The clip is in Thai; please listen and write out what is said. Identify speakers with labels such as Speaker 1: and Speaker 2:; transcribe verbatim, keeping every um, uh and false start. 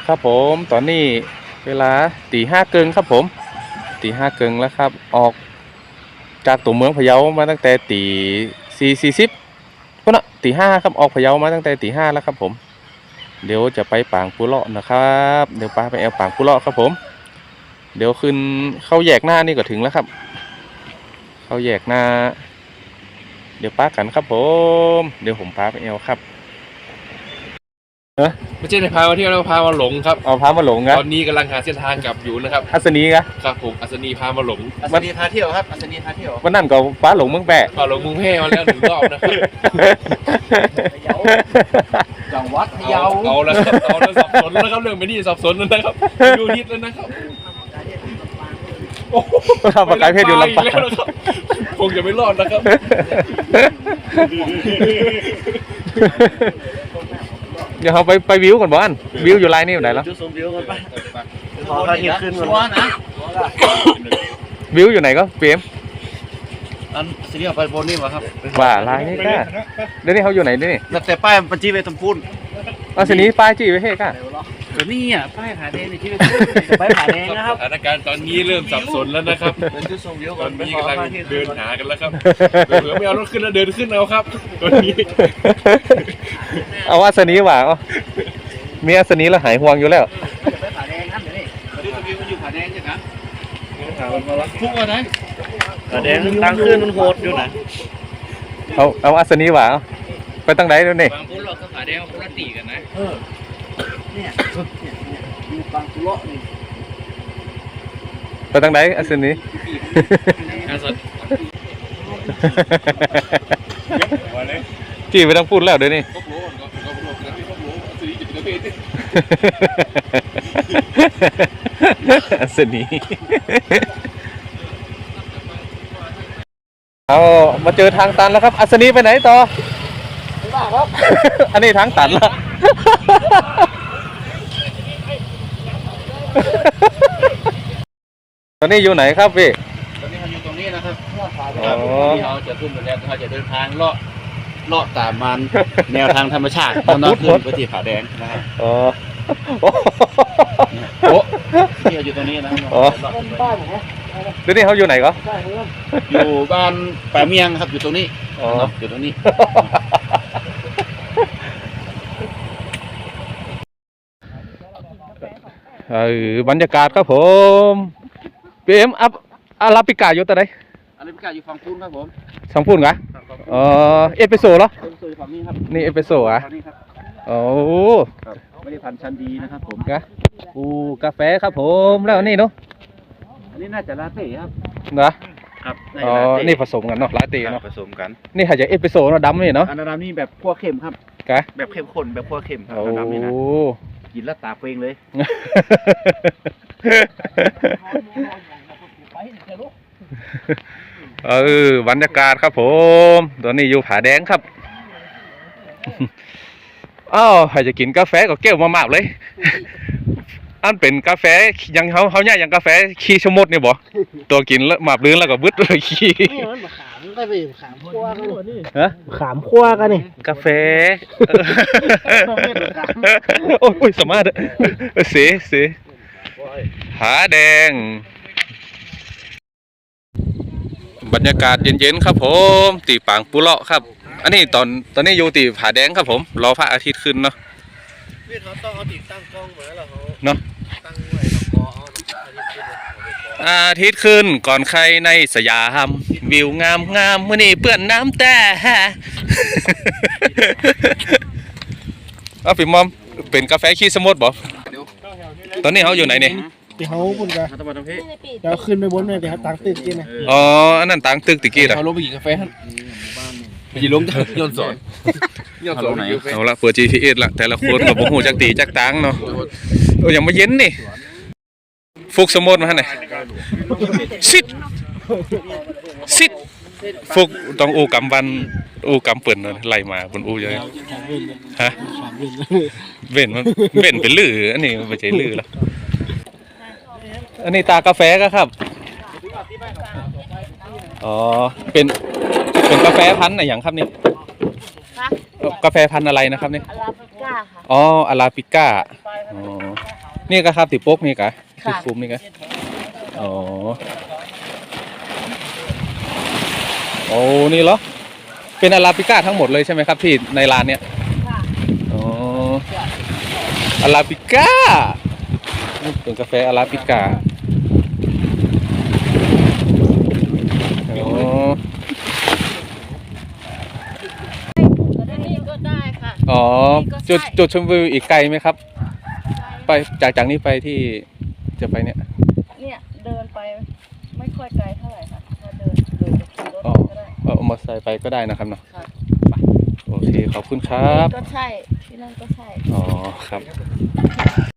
Speaker 1: ครับผมตอนนี้เวลาตีห้าเกิงครับผมตีห้าเกิงแล้วครับออกจากตัวเมืองพะเยามาตั้งแต่ตีสี่สี่สิบก็นะตีห้าครับออกพะเยามาตั้งแต่ตีห้าแล้วครับผมเดี๋ยวจะไปปางปุเลาะนะครับเดี๋ยวป้าไปแอลปางปุเลาะครับผมเดี๋ยวขึ้นเข้าแยกหน้านี่ก็ถึงแล้วครับเข้าแยกหน้าเดี๋ยวป้ากันครับผมเดี๋ยวผมป้าไปแอลครับ
Speaker 2: ไม่ใช่ในพามาเที่ยวแล้วพามาหลงครับ
Speaker 1: เอาพามาหลงครับ
Speaker 2: ตอนนี้กำลังหาเส้นทางกลับอยู่นะครับ
Speaker 1: อัศนีครับ
Speaker 2: ครับผมอัศนีพามาหลง
Speaker 3: อัศนีพาเที่ยวครับอัศนีพาเที่ยว
Speaker 1: วันนั้นก็ป้าหลงเมืองแปะ
Speaker 2: พาหลงมุงแพ่มาแล้วหนึ่งรอบนะครับ
Speaker 3: จังหวัดพะเยา
Speaker 2: เอาแล้วครับเอาแล้วสับสนแล้วครับเรื่องไม่ดีสับสนแล้วนะครับดูนิดแล้วนะครับ
Speaker 1: ทำประกายเพศอยู่ลำปาง
Speaker 2: คงจะไม่รอดนะครับ
Speaker 1: เดี๋ยวเขาไปไปวิวก่อนบ้านวิวอยู่ไลน์นี่อยู่ไหนแล้ว
Speaker 3: จุดชมวิวกันไปขอพาเที่ยวขึ้นก่อนนะ
Speaker 1: วิวอยู่ไหนก็เปลี่ยน
Speaker 3: อันสิ่งที่เอาไปบนนี่วะครับ
Speaker 1: ว่าไลน์นี่ก้าเดี๋ยวนี้เขาอยู่ไหนนี่
Speaker 3: แต่ป้ายมันจี้ไปตำพูน
Speaker 1: อันนี้ป้ายจี้ไปเฮ้ก้า
Speaker 3: เดี๋ยวนี้อ่ะป้ายผาแดงในที่ป้ายผาแดงนะครับ
Speaker 2: สถานการณ์ตอนนี้เริ่มสับสนแล้วนะครับ
Speaker 3: จุดชมวิว
Speaker 2: ตอนนี้กำลังเดินหากันแล้วครับเผื่อไม่เอารถขึ้นแล้วเดินขึ้นเอาครับตอนนี้
Speaker 1: เอาอัศนีว่ามีอัศนีแล้วหายห่วงอยู่แล้ว
Speaker 3: ไปผาแดงครับเดี๋ยวนี้จุดชมวิวมันอยู่ผาแดงใช่ไหมพุ่งมาไหนผาแดงทางขึ้นมันโหดอยู่นะ
Speaker 1: เอาเอาอัศนีว่าไปตั้งไหนแล้วนี่
Speaker 3: บางพุ่งเราก็ผาแดงพุ่งละตีกันนะเออเนี่ยเนี่ยอยู่บางปุโระนี่
Speaker 1: ไปตั้งไหนอัศนีจี้ไปต้องพูดแล้วเดี๋ยวนี้อัศนีเอามาเจอทางตันแล้วครับอัศนีไปไหนต่อ
Speaker 3: ไม่บ้าครับ
Speaker 1: อันนี้ทางตันละตอนนี้อยู่ไหนครับพี่
Speaker 3: ตอนนี้เราอยู่ตรงนี้นะครับที่เราจะขึ้นไปแล้วเราจะเดินทางเลาะเลาะตามมันแนวทางธรรมชาติตอนนั้นขึ้นไปที่ผาแดงนะครับ
Speaker 1: อ๋อ
Speaker 3: โอ้ที่เราอยู่ตรงนี้นะ
Speaker 1: อ๋อบ้านเหรอเดี๋ยวนี้เขาอยู่ไหนก็
Speaker 3: อยู่บ้านป่าเมียงครับอยู่ตรงนี้อ๋ออยู่ตรงนี้
Speaker 1: เออบรรยากาศครับผมพีเอ็มอัพอาราบิก้าอยู่ตรงไหน
Speaker 3: อาราบิก้าอยู่ฝั่งพูนครับผม
Speaker 1: ฝั่งพูนเหรออ๋อเอสเปรสโซ่เหรอ
Speaker 3: เอสเปรสโซ่ฝั่งนี้ครับ
Speaker 1: นี่เอสเปรสโซ่อ่ะโอ้
Speaker 3: ไม่ได้พันชั้นดีนะครับผม
Speaker 1: กะอูกาแฟครับผมแล้วนี่เนาะ
Speaker 3: อันนี้น่าจะลาเต้ครับ
Speaker 1: นะครับอ๋อนี่ผสมกันเนาะลาเต้เนาะ
Speaker 3: ผสมกัน
Speaker 1: นี่หายใจเอสเปรสโซ่เนาะดำนี่เนาะ
Speaker 3: อันดำนี่แบบคั่วเค็มครับ
Speaker 1: กะ
Speaker 3: แบบเข้มข้นแบบคั่วเค็มครับดำนี่นะกินแล้วตาเป่งเลย
Speaker 1: เออบรรยากาศครับผมตอนนี้อยู่ผาแดงครับอ้าวใครจะกินกาแฟก็เกี่ยวมากๆเลยอันเป็นกาแฟยังเขาเขาเนี่ยยังกาแฟขี้ชมดเนี่ยบ่ตัวกินแล้วหมาบลื้นแล้วก็บึ้ดเลยขี้
Speaker 3: นี่มันขามก็ไปขามคั่วกันนี่
Speaker 1: ฮะ
Speaker 3: ขามคั่วกันนี่
Speaker 1: กาแฟโอ้ยสามารถเสียเสียผาแดงบรรยากาศเย็นๆครับผมตีปางปุเลาะครับอันนี้ตอนตอนนี้อยู่ตีผาแดงครับผมรอพระอาทิตย์ขึ้นเนาะ
Speaker 3: พี่เขาต้องเอาติดตั้งกล้องมาแล้วเขา
Speaker 1: เนาะ
Speaker 3: ตั้งไว้แล้วก็
Speaker 1: เอาอาทิตย์ขึ้นก่อนใครในสยามวิวงามงามมื้อนี้เปื้อนน้ำแต่เอาพี่มอมเป็นกาแฟขี้สมุทรบ่ตอนนี้เขาอยู่ไหนเนี่ย
Speaker 3: ที่เขาคุณกันเดี๋ยวขึ้นไปบนเลยเดี๋ยวต่างตึกกินนะ
Speaker 1: อ๋ออันนั้นต่างตึกตะกี้เหรอ
Speaker 2: เขาลงไปกินกาแฟไปยิงลงย้อนสอนย้อนสอนไหน
Speaker 1: เอาละเปิด จี พี เอส ละแต่ละคนกับผมหูจักตีจักตังเนาะโอ้ยังมาเย็นนี่ฟุกสมุทรมาให้หน่อยซิดซิดฟุกต้องอูกำวันอูกำเปิ่นไล่มาบนอูเยอะฮะเว้นมันเว้นเป็นลืออันนี้ไม่ใช่ลือแล้วอันนี้ตากาแฟก็ครับอ๋อเป็นเป็นกาแฟพันธุ์อะไรอย่างครับนี่กาแฟพันธุ์อะไรนะครับนี่อาราบิก้าค่ะอ๋ออาราบิก้าอ๋อนี่ก็ครับติโป๊กนี่กะที่
Speaker 4: ค่ะ
Speaker 1: คุมนี่กะอ๋อโอ้นี่เหรอเป็นอาราบิก้าทั้งหมดเลยใช่ไหมครับที่ในร้านเนี้ย
Speaker 4: ค่ะ
Speaker 1: อ๋ออาราบิก้าเป็นกาแฟอาราบิก้าอ๋อ
Speaker 4: อันนี้ก็ได้ค่ะ
Speaker 1: อ๋อ
Speaker 4: นี่ก็ใช่
Speaker 1: จุดจุดชมวิวอีกไกลไหมครับ ไปจากจากนี้ไปที่จะไปเนี่ย
Speaker 4: เนี่ยเดินไปไม่ค่อยไกลเท่าไหร่ค่ะถ้าเดินเดินขี่รถ
Speaker 1: อ๋อ
Speaker 4: ก็ได้
Speaker 1: เอามอเตอร์ไซค์ไปก็ได้นะครับเนาะ
Speaker 4: ค่ะ
Speaker 1: โอเคขอบคุณครับ
Speaker 4: ก็ใช่ที่นั่นก็ใช่
Speaker 1: อ๋อครับ